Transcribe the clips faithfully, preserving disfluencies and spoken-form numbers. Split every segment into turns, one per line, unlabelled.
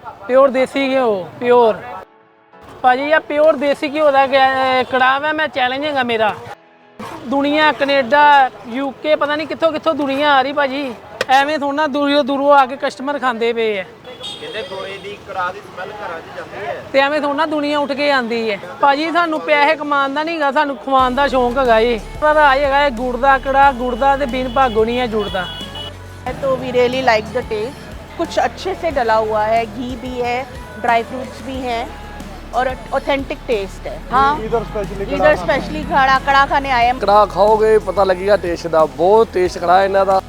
Pure ਦੇਸੀ ਘਿਓ pure ਭਾਜੀ ਆ ਪਿਓਰ ਦੇਸੀ ਘਿਓ ਦਾ ਕੜਾਹ ਹੈ। ਮੈਂ ਚੈਲੰਜ ਹੈਗਾ ਮੇਰਾ ਦੁਨੀਆ ਕੈਨੇਡਾ ਯੂਕੇ ਪਤਾ ਨਹੀਂ ਕਿੱਥੋਂ ਕਿੱਥੋਂ ਦੁਨੀਆ ਆ ਰਹੀ ਭਾਜੀ ਐਵੇਂ ਥੋੜਾ ਦੂਰੋਂ ਦੂਰੋਂ ਆ ਕੇ ਕਸਟਮਰ ਖਾਂਦੇ ਪਏ ਆ
ਕਹਿੰਦੇ ਗੋਏ ਦੀ ਕੜਾਹ ਦੀ ਸਮੈਲ ਘਰਾਂ 'ਚ ਜਾਂਦੀ ਹੈ
ਤੇ ਐਵੇਂ ਥੋੜਾ ਦੁਨੀਆ ਉੱਠ ਕੇ ਆਂਦੀ ਹੈ ਭਾਜੀ ਸਾਨੂੰ ਪੈਸੇ ਕਮਾਉਣ ਦਾ ਨਹੀਂ ਹੈਗਾ ਸਾਨੂੰ ਖਵਾਉਣ ਦਾ ਸ਼ੌਂਕ ਹੈਗਾ ਜੀ ਪਰ ਆ ਹੈਗਾ ਗੁੜ ਦਾ ਕੜਾਹ ਗੁੜ ਦਾ ਤੇ ਬਿਨ ਭਾਗੋ ਨਹੀਂ ਹੈ ਜੁੜਦਾ
तो we really like the taste कुछ अच्छे से डला हुआ है घी भी है ड्राई फ्रूट्स भी हैं और ऑथेंटिक टेस्ट है हाँ इधर स्पेशली इधर स्पेशली कड़ा कड़ा खाने आए हैं
ਕੜਾਹ ਖਾਓਗੇ ਪਤਾ ਲੱਗੇਗਾ ਟੇਸਟ ਦਾ ਬਹੁਤ ਟੇਸਟ ਕੜਾਹ ਇਹਨਾਂ ਦਾ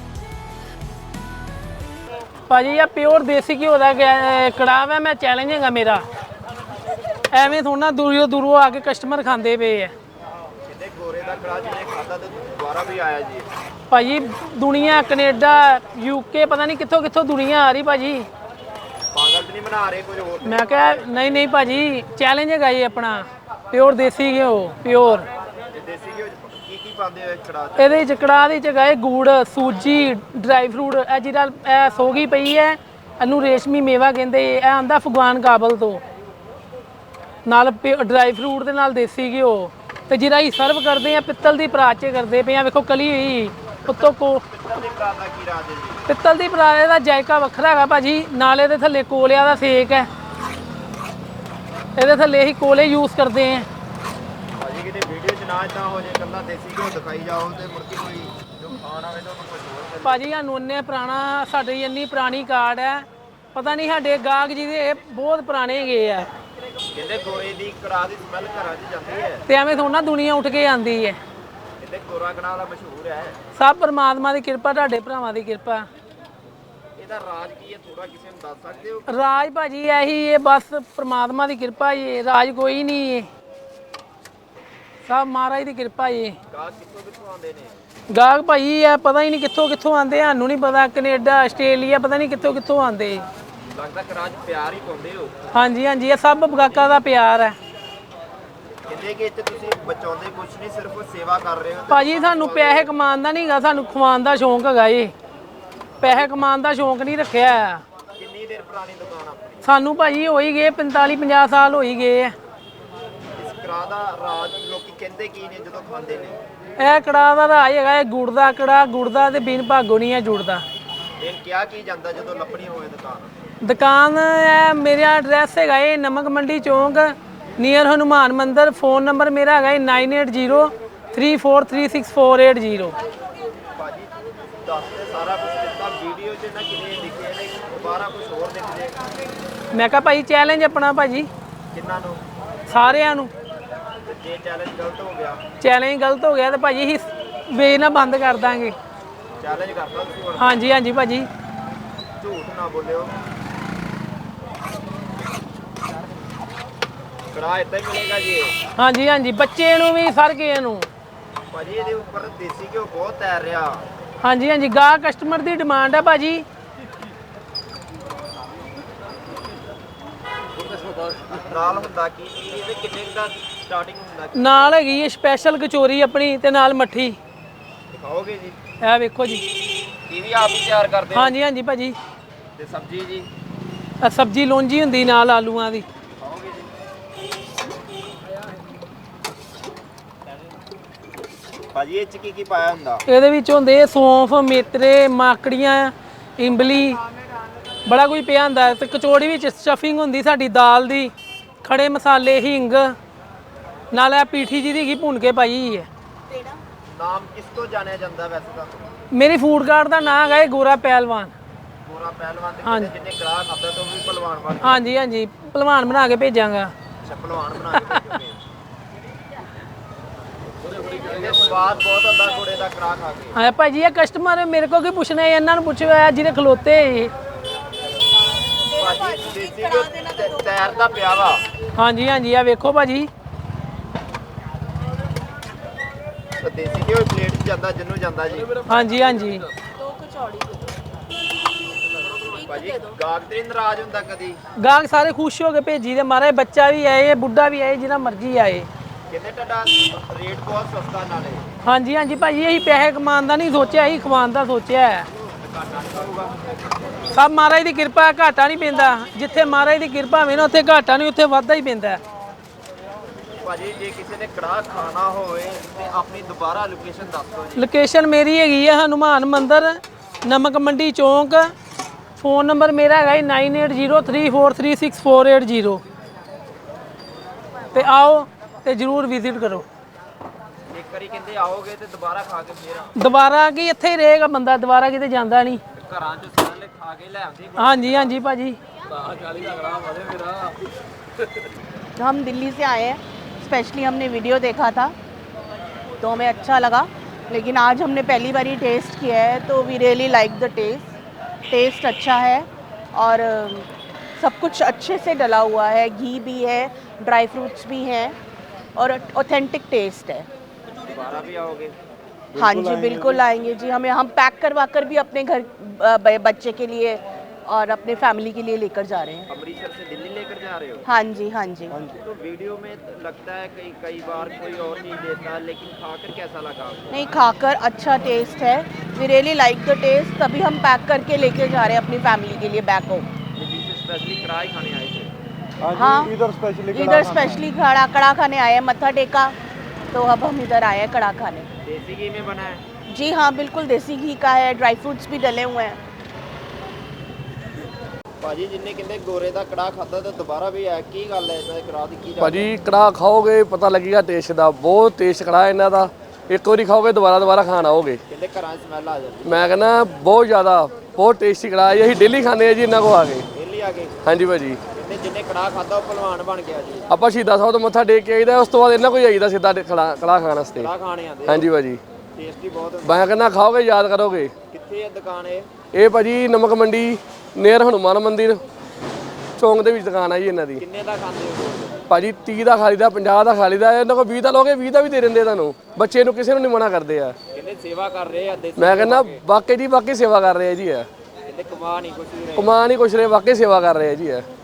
ਭਾਜੀ ਆ ਪਿਓਰ ਦੇਸੀ ਘਿਓ ਦਾ ਕੜਾਹ ਹੈ। ਮੈਂ ਚੈਲੰਜ ਹੈਗਾ ਮੇਰਾ ਐਵੇਂ ਥੋੜਾ ਦੂਰੋਂ ਦੂਰੋਂ ਆ ਕੇ ਕਸਟਮਰ ਖਾਂਦੇ ਪਏ ਆ
ਕਹਿੰਦੇ ਗੋਰੇ ਦਾ ਕੜਾਹ ਜਿਹਨੇ ਖਾਦਾ ਤੇ ਦੁਬਾਰਾ ਵੀ ਆਇਆ ਜੀ
ਭਾਜੀ ਦੁਨੀਆ ਕੈਨੇਡਾ ਯੂਕੇ ਪਤਾ ਨਹੀਂ ਕਿੱਥੋਂ ਕਿੱਥੋਂ ਦੁਨੀਆ ਆ ਰਹੀ ਭਾਜੀ
ਪਾਗਲ ਤੇ ਨਹੀਂ ਬਣਾ ਰਹੇ ਕੁਝ ਹੋਰ
ਮੈਂ ਕਿਹਾ ਨਹੀਂ ਨਹੀਂ ਭਾਜੀ ਚੈਲੰਜ ਹੈਗਾ ਜੀ ਆਪਣਾ ਪਿਓਰ ਦੇਸੀ ਘਿਓ ਪਿਓਰ
ਤੇ ਦੇਸੀ ਘਿਓ 'ਚ ਕੀ ਕੀ ਪਾਉਂਦੇ ਹੋ ਇਸ ਕੜਾਹ 'ਚ
ਇਹਦੇ ਵਿੱਚ ਕੜਾਹ ਦੇ ਚ ਗਏ ਗੁੜ ਸੂਜੀ ਡਰਾਈ ਫਰੂਟ ਇਹ ਜਿਹੜਾ ਇਹ ਸੋਗੀ ਪਈ ਹੈ ਇਹਨੂੰ ਰੇਸ਼ਮੀ ਮੇਵਾ ਕਹਿੰਦੇ ਇਹ ਆਂਦਾ ਅਫਗਾਨ ਕਾਬਲ ਤੋਂ ਨਾਲ ਡਰਾਈ ਫਰੂਟ ਦੇ ਨਾਲ ਦੇਸੀ ਘਿਓ ਤੇ ਜਿਹੜਾ ਹੀ ਸਰਵ ਕਰਦੇ ਆ ਪਿੱਤਲ ਦੀ ਪਰਾਤ 'ਚ ਕਰਦੇ ਪਏ ਆ ਵੇਖੋ ਕਲੀ ਹੋਈ ਉੱਤੋਂ ਕੋ
ਪਿੱਤਲ ਦੀ ਕੜਾਹ ਦਾ ਕੀ ਰਾਜ ਹੈ ਜੀ
ਪਿੱਤਲ ਦੀ ਪਰਾਤ ਦਾ ਜਾਇਕਾ ਵੱਖਰਾ ਹੈਗਾ ਭਾਜੀ ਨਾਲ ਇਹਦੇ ਥੱਲੇ ਕੋਲਿਆਂ ਦਾ ਸੇਕ ਹੈ ਇਹਦੇ ਥੱਲੇ ਹੀ ਕੋਲੇ ਯੂਜ਼ ਕਰਦੇ ਆ
ਭਾਜੀ ਕਿਤੇ ਵੀਡੀਓ 'ਚ ਨਾ ਇਦਾਂ ਹੋ ਜੇ ਇਕੱਲਾ ਦੇਸੀ ਘਿਓ ਦਿਖਾਈ ਜਾਓ ਤੇ ਮੁੜ ਕੇ ਕੋਈ ਜੋ ਖਾਣ ਆਵੇ ਤਾਂ ਉਹਨੂੰ ਕੁਝ ਹੋਰ ਕਰੇ
ਭਾਜੀ ਸਾਨੂੰ ਇੰਨੇ ਪੁਰਾਣਾ ਸਾਡੀ ਇੰਨੀ ਪੁਰਾਣੀ ਕਾਰਡ ਹੈ ਪਤਾ ਨਹੀਂ ਸਾਡੇ ਗਾਹਕ ਜਿਹਦੇ ਬਹੁਤ ਪੁਰਾਣੇ ਹੈਗੇ ਆ
ਕਹਿੰਦੇ ਗੋਏ ਦੀ ਕੜਾਹ ਦੀ ਸਮੈਲ ਘਰਾਂ 'ਚ ਜਾਂਦੀ ਹੈ
ਤੇ ਐਵੇਂ ਥੋੜਾ ਦੁਨੀਆ ਉੱਠ ਕੇ ਆਂਦੀ ਹੈ
ਕਹਿੰਦੇ ਗੋਰਾ ਕੜਾਹ ਦਾ ਮਸ਼ਹੂਰ ਹੈ
ਸਭ ਪਰਮਾਤਮਾ ਦੀ ਕਿਰਪਾ ਤੁਹਾਡੇ ਭਰਾਵਾਂ ਦੀ ਕਿਰਪਾ
ਇਹਦਾ ਰਾਜ ਕੀ ਹੈ ਥੋੜਾ ਕਿਸੇ ਨੂੰ ਦੱਸ ਸਕਦੇ ਹੋ
ਰਾਜ ਭਾਜੀ ਇਹੀ ਹੈ ਬਸ ਪਰਮਾਤਮਾ ਦੀ ਕਿਰਪਾ ਹੀ ਹੈ ਰਾਜ ਕੋਈ ਨਹੀਂ ਹੈ ਸਭ ਮਹਾਰਾਜ ਦੀ ਕਿਰਪਾ ਹੀ ਹੈ
ਗਾਹਕ ਕਿੱਥੋਂ ਕਿੱਥੋਂ ਆਉਂਦੇ ਨੇ
ਗਾਹਕ ਭਾਈ ਹੈ ਪਤਾ ਹੀ ਨਹੀਂ ਕਿੱਥੋਂ ਕਿੱਥੋਂ ਆਂਦੇ ਸਾਨੂੰ ਨਹੀਂ ਪਤਾ ਕੈਨੇਡਾ ਆਸਟ੍ਰੇਲੀਆ ਪਤਾ ਨਹੀਂ ਕਿੱਥੋਂ ਕਿੱਥੋਂ ਆਂਦੇ
ਲੱਗਦਾ ਕੜਾਹ 'ਚ ਪਿਆਰ ਹੀ ਪਾਉਂਦੇ ਹੋ
ਹਾਂਜੀ ਹਾਂਜੀ ਇਹ ਸਭ ਗਾਹਕਾਂ ਦਾ ਪਿਆਰ ਹੈ
ਕਹਿੰਦੇ ਕਿ ਇੱਥੇ ਤੁਸੀਂ ਬਚਾਉਂਦੇ ਕੁਝ ਨਹੀਂ ਸਿਰਫ ਸੇਵਾ ਕਰ ਰਹੇ ਹੋ ਤੇ
ਭਾਜੀ ਸਾਨੂੰ ਪੈਸੇ ਕਮਾਉਣ ਦਾ ਨਹੀਂ ਹੈਗਾ ਸਾਨੂੰ ਖਵਾਉਣ ਦਾ ਸ਼ੌਂਕ ਹੈਗਾ ਜੀ ਪੈਸੇ ਕਮਾਉਣ ਦਾ ਸ਼ੌਂਕ ਨਹੀਂ ਰੱਖਿਆ
ਕਿੰਨੀ ਦੇਰ ਪੁਰਾਣੀ ਦੁਕਾਨ ਆਪਣੀ
ਸਾਨੂੰ ਭਾਜੀ ਹੋ ਹੀ ਗਏ ਪੰਤਾਲੀ ਪੰਜਾਹ ਸਾਲ ਹੋ ਹੀ ਗਏ ਆ
ਇਸ ਕੜਾਹ ਦਾ ਰਾਜ ਲੋਕੀ ਕਹਿੰਦੇ ਕੀ ਨੇ ਜਦੋਂ ਖਾਂਦੇ ਨੇ
ਇਹ ਕੜਾਹ ਦਾ ਰਾਜ ਹੈਗਾ ਇਹ ਗੁੜ ਦਾ ਕੜਾਹ ਗੁੜ ਦਾ ਤੇ ਬਿਨ ਭਾਗੋ ਨਹੀਂ ਹੈ ਜੁੜਦਾ
ਇਹ ਕਿਹਾ ਕੀ ਜਾਂਦਾ ਜਦੋਂ ਲੱਭਣੀ ਹੋਵੇ ਦੁਕਾਨ
ਦੁਕਾਨ ਹੈ ਮੇਰਾ ਐਡਰੈਸ ਹੈਗਾ ਇਹ ਨਮਕ ਮੰਡੀ ਚੌਂਕ ਨੀਅਰ ਹਨੂਮਾਨ ਮੰਦਿਰ ਫੋਨ ਨੰਬਰ ਮੇਰਾ ਹੈਗਾ nine eight zero three four three six four eight zero
ਭਾਜੀ ਦੱਸਦੇ ਸਾਰਾ ਕੁਝ ਦਿੱਤਾ ਵੀਡੀਓ 'ਚ ਨਾ ਕਿੰਨੇ ਲਿਖੇ ਨੇ ਦੁਬਾਰਾ ਕੁਝ ਹੋਰ ਲਿਖ ਦੇ
ਮੈਂ ਕਿਹਾ ਭਾਈ ਚੈਲੰਜ ਆਪਣਾ ਭਾਜੀ
ਕਿੰਨਾਂ ਨੂੰ
ਸਾਰਿਆਂ ਨੂੰ
ਤੇ ਜੇ ਚੈਲੰਜ ਗਲਤ ਹੋ ਗਿਆ
ਚੈਲੰਜ ਗਲਤ ਹੋ ਗਿਆ ਤੇ ਭਾਜੀ ਅਸੀਂ ਵੇਚ ਨਾ ਬੰਦ ਕਰ ਦਾਂਗੇ
ਚੈਲੰਜ ਕਰਦਾ ਤੁਸੀਂ ਹੁਣ
ਹਾਂਜੀ ਹਾਂਜੀ ਭਾਜੀ
ਝੂਠ ਨਾ ਬੋਲਿਓ ਕੜਾਹ ਏਦਾਂ ਹੀ ਮਿਲੇਗਾ ਜੀ ਇਹ।
ਹਾਂਜੀ ਹਾਂਜੀ ਬੱਚੇ ਨੂੰ ਵੀ ਸਰ ਕੇ ਨੂੰ
ਭਾਜੀ ਇਹਦੇ ਉੱਪਰ ਦੇਸੀ ਘਿਓ ਬਹੁਤ ਤੈਰ ਰਿਹਾ
ਹਾਂਜੀ ਹਾਂਜੀ ਗਾਹ ਕਸਟਮਰ ਦੀ ਡਿਮਾਂਡ ਹੈ ਭਾਜੀ
ਨਾਲ ਹੁੰਦਾ ਕੀ ਕੀ ਇਹਦੇ ਕਿੰਨੇ ਕੁ ਦਾ ਸਟਾਰਟਿੰਗ ਹੁੰਦਾ ਕੀ?
ਨਾਲ ਹੈਗੀ ਹੈ ਸਪੈਸ਼ਲ ਕਚੋਰੀ ਆਪਣੀ ਤੇ ਨਾਲ ਮੱਠੀ
ਦਿਖਾਓਗੇ ਜੀ
ਇਹ ਵੇਖੋ ਜੀ
ਇਹ ਵੀ ਆਪ ਹੀ ਤਿਆਰ ਕਰਦੇ ਹੋ
ਹਾਂਜੀ ਹਾਂਜੀ ਭਾਜੀ
ਤੇ ਸਬਜ਼ੀ ਜੀ
ਆਹ ਸਬਜ਼ੀ ਲੋਂਜੀ ਹੁੰਦੀ ਨਾਲ ਆਲੂਆਂ ਦੀ
ਦਿਖਾਓਗੇ ਜੀ ਭਾਜੀ ਇਹ ਚ ਕੀ ਕੀ ਪਾਇਆ ਹੁੰਦਾ
ਇਹਦੇ ਵਿੱਚ ਹੁੰਦੇ ਸੌਂਫ ਮੇਤਰੇ ਮਾਕੜੀਆਂ ਇੰਬਲੀ ਬੜਾ ਕੁਝ ਪਿਆ ਹੁੰਦਾ ਤੇ ਕਚੋੜੀ ਵਿੱਚ ਸਟਫਿੰਗ ਹੁੰਦੀ ਸਾਡੀ ਦਾਲ ਦੀ ਖੜੇ ਮਸਾਲੇ ਹਿੰਗ ਨਾਲ ਇਹ ਪੀਠੀ ਜੀ ਦੀ ਘੀ ਭੁੰਨ ਕੇ ਪਾਈ ਹੈ
ਨਾਮ ਕਿਸ ਤੋਂ ਜਾਣਿਆ ਜਾਂਦਾ ਵੈਸੇ ਤਾਂ
ਮੇਰੀ ਫੂਡ ਕਾਰਟ ਦਾ ਨਾਮ ਹੈ ਗੋਰਾ ਪਹਿਲਵਾਨ
ਗੋਰਾ ਪਹਿਲਵਾਨ ਤੇ ਕਹਿੰਦੇ ਜਿੰਨੇ ਗ੍ਰਾਹ ਖਾਂਦਾ ਤੋਂ ਵੀ ਪਹਿਲਵਾਨ ਬਣ ਗਿਆ
ਹਾਂਜੀ ਹਾਂਜੀ ਪਹਿਲਵਾਨ ਬਣਾ ਕੇ ਭੇਜਾਂਗਾ
ਅੱਛਾ ਪਹਿਲਵਾਨ ਬਣਾ ਕੇ ਭੇਜੋਗੇ ਇਹਦੇ ਸਵਾਦ ਬਹੁਤ ਹੁੰਦਾ ਘੋੜੇ ਦਾ ਕੜਾਹ ਖਾ ਕੇ
ਹਾਂ ਭਾਜੀ ਇਹ ਕਸਟਮਰ ਮੇਰੇ ਕੋਲ ਕੀ ਪੁੱਛਣਾ ਹੈ ਇਹਨਾਂ ਨੂੰ ਪੁੱਛਿਓ ਆ ਜਿਹਦੇ ਖਲੋਤੇ ਇਹ
ਭਾਜੀ ਦੇਸੀ ਘਿਓ ਤੈ- ਤੈਰਦਾ ਪਿਆ ਵਾ
ਹਾਂਜੀ ਹਾਂਜੀ ਆ ਵੇਖੋ ਭਾਜੀ
ਤਾਂ ਦੇਸੀ ਘਿਓ ਪਲੇਟ 'ਚ ਜਾਂਦਾ ਜਿੰਨੂੰ ਜਾਂਦਾ ਜੀ
ਹਾਂਜੀ ਹਾਂਜੀ
दो कचौड़ी
ਭਾਜੀ ਗਾਹਕ ਤੇ ਨੀ ਨਾਰਾਜ਼ ਹੁੰਦਾ ਕਦੀ
ਗਾਹਕ ਸਾਰੇ ਖੁਸ਼ ਹੋ ਕੇ ਭੇਜੀ ਦੇ ਮਾਰੇ ਬੱਚਾ ਵੀ ਆਏ ਬੁੱਢਾ ਵੀ ਆਏ ਜਿਹਨਾਂ ਮਰਜ਼ੀ ਆਏ
ਕਹਿੰਦੇ ਤੁਹਾਡਾ ਰੇਟ ਬਹੁਤ ਸਸਤਾ ਨਾਲੇ
ਹਾਂਜੀ ਹਾਂਜੀ ਭਾਜੀ ਇਹੀ ਪੈਸੇ ਕਮਾਉਣ ਦਾ ਨਹੀਂ ਸੋਚਿਆ ਇਹੀ ਖਵਾਉਣ ਦਾ ਸੋਚਿਆ ਹੈ।
ਘਾਟਾ ਨਹੀਂ ਪਊਗਾ।
ਸਭ ਮਹਾਰਾਜ ਦੀ ਕਿਰਪਾ ਹੈ, ਘਾਟਾ ਨਹੀਂ ਪੈਂਦਾ। ਜਿੱਥੇ ਮਹਾਰਾਜ ਦੀ ਕਿਰਪਾ ਹੋਵੇ ਨਾ ਉੱਥੇ ਘਾਟਾ ਨਹੀਂ, ਉੱਥੇ ਵਾਧਾ ਹੀ ਪੈਂਦਾ ਹੈ।
ਭਾਜੀ ਜੇ ਕਿਸੇ ਨੇ ਕੜਾਹ ਖਾਣਾ ਹੋਵੇ ਤੇ ਆਪਣੀ ਦੁਬਾਰਾ ਲੋਕੇਸ਼ਨ ਦੱਸ ਦਿਓ ਜੀ।
ਲੋਕੇਸ਼ਨ ਮੇਰੀ ਹੈਗੀ ਹੈ ਹਨੂਮਾਨ ਮੰਦਿਰ, ਨਮਕ ਮੰਡੀ ਚੌਂਕ। ਫੋਨ ਨੰਬਰ ਮੇਰਾ ਹੈਗਾ nine eight zero three four three six four eight zero. ਤੇ ਆਓ ਤੇ ਜਰੂਰ ਵਿਜ਼ਿਟ ਕਰੋ।
ਇੱਕ ਵਾਰੀ ਕਹਿੰਦੇ ਆਓਗੇ ਤੇ ਦੁਬਾਰਾ ਖਾ ਕੇ ਫੇਰ ਆਓ।
ਦੁਬਾਰਾ ਕੀ ਇੱਥੇ ਹੀ ਰਹੇਗਾ ਬੰਦਾ, ਦੁਬਾਰਾ ਕਿਤੇ ਜਾਂਦਾ ਨਹੀਂ।
ਘਰਾਂ ਚ ਸਾਰਿਆਂ ਨੇ ਖਾ ਕੇ ਲੈ ਆਉਂਦੇ।
ਹਾਂਜੀ ਹਾਂਜੀ ਭਾਜੀ।
हम दिल्ली से आए हैं, स्पेशली हमने वीडियो देखा था तो हमें अच्छा लगा, लेकिन आज हमने पहली बार ही टेस्ट किया है तो we really like the taste. Taste अच्छा है और अ, सब कुछ अच्छे से डला हुआ है, घी भी है, ड्राई फ्रूट्स भी हैं और ऑथेंटिक टेस्ट है।
ਦੁਬਾਰਾ ਵੀ ਆਓਗੇ?
हाँ जी बिल्कुल आएंगे जी। हमें हम पैक करवा कर भी अपने घर अ, ब- बच्चे के लिए और अपने फैमिली के लिए लेकर जा रहे हैं।
अमृतसर से दिल्ली लेकर जा रहे हो?
हाँ जी हाँ जी।
तो वीडियो में लगता है कई कई बार कोई और चीज़ देता है, लेकिन खाकर कैसा लगा आपको?
नहीं, खाकर अच्छा टेस्ट है। We really like the taste, तभी हम पैक करके लेके जा रहे हैं अपनी फैमिली के लिए बैक होम।
दिल्ली से स्पेशली कढ़ाई खाने आए थे?
हाँ, इधर स्पेशली इधर स्पेशली कड़ा कड़ा खाने आए हैं, मत्था टेका तो अब हम इधर आए हैं कड़ा खाने।
देसी घी में बना है?
जी हाँ बिल्कुल देसी घी का है, ड्राई फ्रूट्स भी डले हुए हैं।
ਭਾਜੀ ਜਿੰਨੇ ਕਹਿੰਦੇ ਗੋਰੇ ਦਾ ਕੜਾਹ ਖਾਦਾ ਤਾਂ ਦੁਬਾਰਾ ਵੀ ਆਇਆ, ਕੀ ਗੱਲ ਹੈ ਇਹਦਾ ਕੜਾਹ ਦੀ ਕੀ ਗੱਲ?
ਭਾਜੀ ਕੜਾਹ ਖਾਓਗੇ ਪਤਾ ਲੱਗੇਗਾ ਟੇਸਟ ਦਾ, ਬਹੁਤ ਟੇਸਟ ਕੜਾਹ ਇਹਨਾਂ ਦਾ। ਇੱਕ ਵਾਰੀ ਖਾਓਗੇ ਦੁਬਾਰਾ ਦੁਬਾਰਾ ਖਾਣ ਆਓਗੇ।
ਕਹਿੰਦੇ ਘਰਾਂ 'ਚ ਸਮੈਲ ਆ ਜਾਂਦੀ।
ਮੈਂ ਕਹਿੰਦਾ ਬਹੁਤ ਜ਼ਿਆਦਾ ਬਹੁਤ ਟੇਸਟੀ ਕੜਾਹ ਹੈ, ਅਸੀਂ ਡੇਲੀ ਖਾਂਦੇ ਆ ਜੀ ਇਹਨਾਂ ਕੋ ਆ ਕੇ।
ਡੇਲੀ ਆ ਗਏ?
ਹਾਂਜੀ ਭਾਜੀ।
ਕਹਿੰਦੇ ਜਿੰਨੇ ਕੜਾਹ ਖਾਦਾ ਉਹ ਪਹਿਲਵਾਨ ਬਣ ਗਿਆ ਜੀ।
ਆਪਾਂ ਸ਼ਹੀਦਾਂ ਸਾਹਿਬ ਤੋਂ ਮੱਥਾ ਟੇਕ ਕੇ ਆਈਦਾ, ਉਸ ਤੋਂ ਬਾਅਦ ਇਹਨਾਂ ਕੋਈ ਆਈਦਾ ਸਿੱਧਾ ਕੜਾਹ ਕੜਾਹ ਖਾਣ ਵਾਸਤੇ।
ਕੜਾਹ ਖਾਣੇ ਆਉਂਦੇ?
ਹਾਂਜੀ ਭਾਜੀ।
ਟੇਸਟੀ ਬਹੁਤ ਹੁੰਦਾ।
ਮੈਂ ਕਹਿੰਦਾ ਖਾਓਗੇ ਯਾਦ ਕਰੋਗੇ।
ਕਿੱਥੇ ਹੈ ਦੁਕਾਨ ਇਹ?
ਇਹ ਭਾਜੀ ਨਮਕ ਮੰਡੀ ਨੀਅਰ ਹਨੂਮਾਨ ਮੰਦਿਰ ਚੌਂਕ ਦੇ ਵਿੱਚ ਦੁਕਾਨ ਆ ਜੀ ਇਹਨਾਂ ਦੀ।
ਕਿੰਨੇ ਦਾ ਖਾਂਦੇ ਹੋ?
ਭਾਜੀ ਤੀਹ ਦਾ ਖਾ ਲਈਦਾ, ਪੰਜਾਹ ਦਾ ਖਾ ਲਈਦਾ, ਇਹਨਾਂ ਕੋਲ ਵੀਹ ਦਾ ਲੋਗੇ ਵੀਹ ਦਾ ਵੀ ਦੇ ਦਿੰਦੇ ਤੁਹਾਨੂੰ। ਬੱਚੇ ਨੂੰ ਕਿਸੇ ਨੂੰ ਨਹੀਂ ਮਨਾ ਕਰਦੇ ਆ।
ਕਹਿੰਦੇ ਸੇਵਾ ਕਰ ਰਹੇ ਆ ਦੇਸੀ।
ਮੈਂ ਕਹਿੰਦਾ ਵਾਕਈ ਜੀ ਵਾਕਈ ਸੇਵਾ ਕਰ ਰਹੇ ਆ ਜੀ ਆ।
ਕਹਿੰਦੇ ਕਮਾ ਨਹੀਂ ਕੁਛ ਵੀ ਰਹੇ।
ਕਮਾਨ ਹੀ ਕੁਛ ਰਹੇ, ਵਾਕਈ ਸੇਵਾ ਕਰ ਰਹੇ ਆ ਜੀ ਆ।